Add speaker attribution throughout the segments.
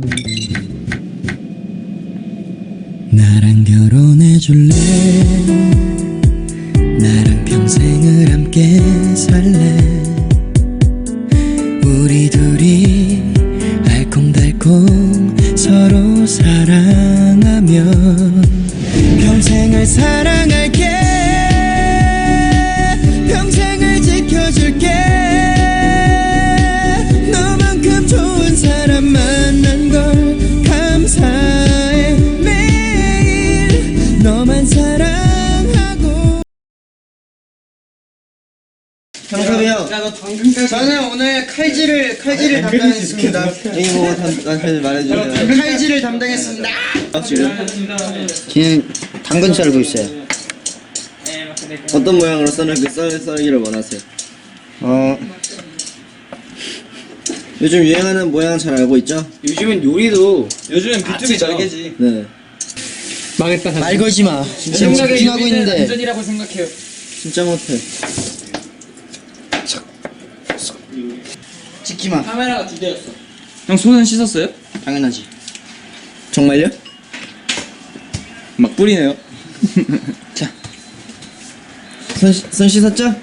Speaker 1: 나랑 결혼해줄래? 나랑 평생을 함께 살래? 우리 둘이 알콩달콩 서로 사랑하면 평생을 사랑할게. 평생을 지켜줄게. 너만큼 좋은 사람 만난 걸 감사해. 매일 너만 사랑하고.
Speaker 2: 정섭이 형, 저는 오늘 칼질을 담당했습니다. 여기 보고 나한테 말해주세요. 칼질을 담당했습니다. 지금 당근 썰고 있어요. 어떤 모양으로 썰기를 원하세요? 요즘 유행하는 모양 잘 알고 있죠?
Speaker 3: 요즘은 비투비 잘게지.
Speaker 2: 네.
Speaker 3: 망했다.
Speaker 2: 말 걸지 마. 지금 집중하고 있는데.
Speaker 3: 안전이라고 생각해요.
Speaker 2: 진짜 못해. 찍지 마.
Speaker 3: 카메라가 2대였어. 형 손은 씻었어요?
Speaker 2: 당연하지. 정말요?
Speaker 3: 막 뿌리네요.
Speaker 2: 자, 손 씻었죠?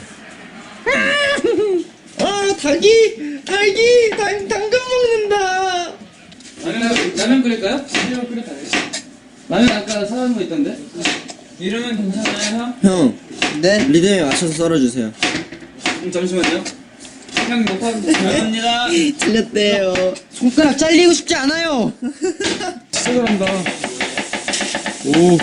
Speaker 2: 당근 먹는다.
Speaker 3: 라면 끓일까요? 라면 끓였다. 라면 아까 사온 거 있던데? 이름은 괜찮아요, 형?
Speaker 2: 형, 네? 리듬에 맞춰서 썰어주세요.
Speaker 3: 잠시만요. 형 녹화합니다. 감사합니다.
Speaker 2: 틀렸대요. 손가락 잘리고 싶지 않아요.
Speaker 3: 죄송합니다.
Speaker 2: 오.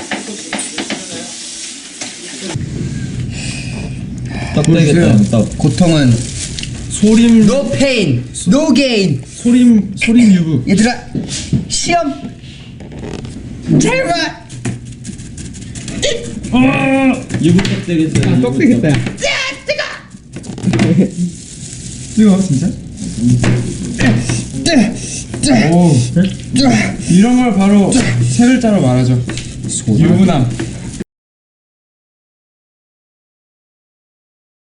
Speaker 4: 보여주세요.
Speaker 2: 고통은
Speaker 4: 소림
Speaker 2: no pain, no gain.
Speaker 4: 소림 유부.
Speaker 2: 얘들아, 시험 제발.
Speaker 4: 유부 떡되겠어요. 떡되겠다. 뜨거 진짜? 오. 이런 걸 바로 세 글자로 말하죠. 유부남.